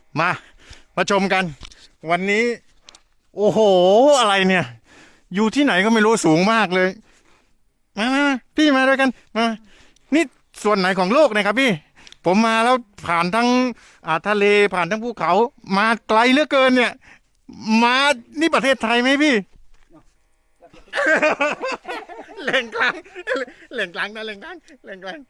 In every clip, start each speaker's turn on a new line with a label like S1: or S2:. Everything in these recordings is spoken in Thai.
S1: มามาชมกัน วันนี้ โอ้โหอะไรเนี่ย อยู่ที่ไหนก็ไม่รู้สูงมากเลยมาพี่มาด้วยกันมานี่ส่วนไหนของโลกนะครับพี่ ผมมาแล้วผ่านทั้งทะเลผ่านทั้งภูเขามาไกลเหลือเกินเนี่ย มานี่ประเทศไทยไหมพี่ แหล่งกลางแหล่งกลางนะแหล่งกลางแหล่งกลาง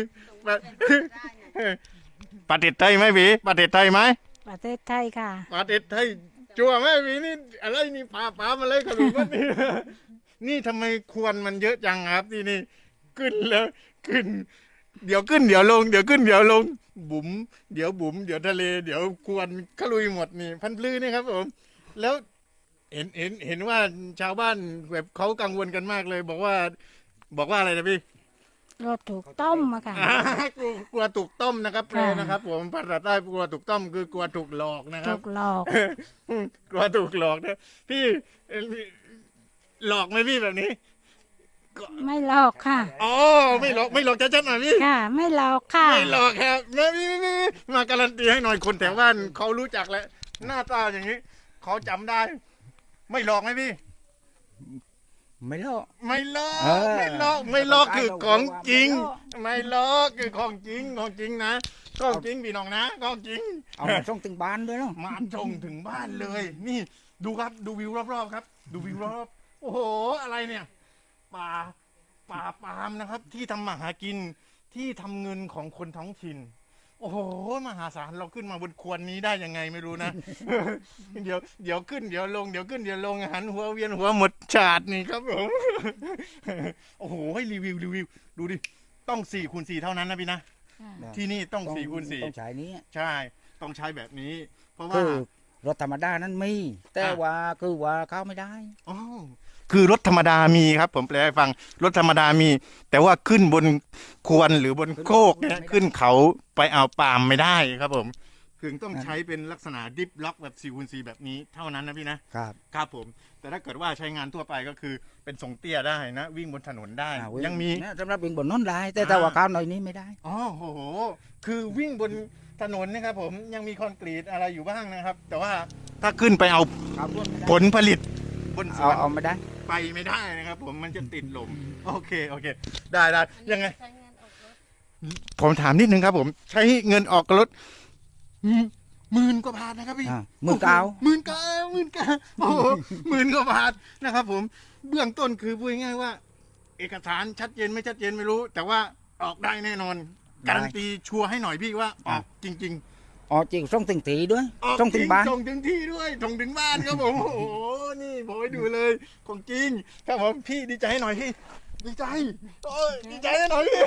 S1: ประเทศไทยไหมพี่ประเทศไทยไหม
S2: ประเทศไทยค่ะ
S1: ประเทศไทยจั่วไหมพี่นี่อะไรนี่ปลามาเลยครับพี่นี่นี่ทำไมควรมันเยอะจังครับที่นี่ขึ้นแล้วขึ้น เดี๋ยวขึ้นเดี๋ยวลงเดี๋ยวขึ้นเดี๋ยวลงบุ๋มเดี๋ยวบุ๋มเดี๋ยวทะเลเดี๋ยวควรขลุยหมดนี่พันปลื้นี่ครับผมแล้วเห็นว่าชาวบ้านแบบเขากังวลกันมากเลย บอกว่าอะไรนะพี่
S2: รถถูกต้มมาค่ะ
S1: กลัวถูกต้มนะครับแปล
S2: ค่ะ
S1: นะครับ ผมภาษาใต้กลัวถูกต้มคือกลัวถูกหลอกนะครั
S2: ถู
S1: บ
S2: กหลอก
S1: กลัวถูกหลอกนะพี่หลอกไหมพี่แบบนี้
S2: ไม่หลอกค่ะ
S1: อ๋อไม่หลอกชัดๆหน่อยพี่
S2: ค่ะ ไม่หลอกค่ะ
S1: ไม่หลอกครับมาการันตีให้หน่อยคนแถวบ้านเขารู้จักแล้วหน้าตาอย่างนี้เขาจำได้ ไม่หลอกไหมพี่
S3: ไม่หรอก
S1: ไม่หลอก
S3: เออ
S1: ไม่หลอกไม่หลอกคือของจริง
S3: ไม่
S1: ไม่หลอกคือของจริงนะของจริงพี่น้องนะของจริง
S3: เอามาส่งถึงบ้านด้วยเนาะ
S1: มาชงถึงบ้านเลย นี่ดูครับดูวิวรอบๆครับ ดูวิวรอบๆโอ้โหอะไรเนี่ยป่าปาล์มนะครับ ที่ทำมาหากินที่ทำเงินของคนท้องถิ่น โอ้โหมหาศาลเราขึ้นมาบนควรนี้ได้ยังไงไม่รู้นะ เดี๋ยวขึ้นเดี๋ยวลงเดี๋ยวขึ้นเดี๋ยวลงหันหัวเวียนหัวหมดฉาดนี่ครับผม โอ้โหให้รีวิวดูดิต้อง4x4เท่านั้นนะพี่นะที่นี่ต้อง4x4
S3: ต้องใช้นี้
S1: ใช่ต้องใช้แบบนี้ เพราะว่า
S3: คือรถธรรมดานั้นมี แต่ว่าคือว่าเข้าไม่ได้
S1: อ๋อคือรถธรรมดามีครับ ผมแปลให้ฟังรถธรรมดามี แต่ว่าขึ้นบนควรหรือบนโคกเนี่ยขึ้นเขาไปเอาปาล์มไม่ได้ครับผมคือต้องใช้เป็นลักษณะดิฟล็อกแบบ4x4แบบนี้เท่านั้นนะพี่นะครับ ครับผม แต่ถ้าเกิดว่าใช้งานทั่วไปก็คือเป็นทรงเตี้ยได้นะ วิ่งบนถนนได้ ยังมี
S3: เนี่ยสำหรับวิ่งบนน้นได้ แต่ถ้าว่าเข้าหน่อยนี้ไม่ได้
S1: อ๋อโหคือวิ่งบนถนนนะครับผมยังมีคอนกรีตอะไรอยู่บ้างนะครับ แต่ว่าถ้าขึ้นไปเอา
S3: เข้าร่วมไม่ได้
S1: ผลผลิตบนสวน
S3: เอาไม่ได้
S1: ไปไม่ได้นะครับ ผมมันจะติดลมโอเคได้ยังไง ผมถามนิดนึงครับผมใช้เงินออกรถ10,000 กว่าบาทนะครับพี่
S3: 19,000
S1: 19,000โอ้โห10,000 กว่าบาทนะครับผมเบื้องต้นคือพูดง่ายๆว่า เอกสารชัดเจนไม่ชัดเจนไม่รู้ แต่ว่าออกได้แน่นอนการันตีชัวร์ให้หน่อยพี่ว่าออกจริง
S3: อ๋อจริงส่งถึงตีด้วย
S1: ๆออก
S3: ส่งถึงบ้าน
S1: ส่งถึงที่ด้วยส่งถึงบ้านครับผมโอ้โหนี่ผมให้ดูเลยของจริงครับผมพี่ดีใจให้หน่อยพี่ดีใจโอ้ยดีใจให้หน่อยพี่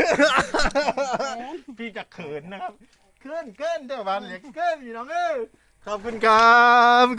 S1: พี่จะเขินนะครับเขินเด้อบ้านเหล็กเขินพี่น้องเอ้ยขอบคุณครับ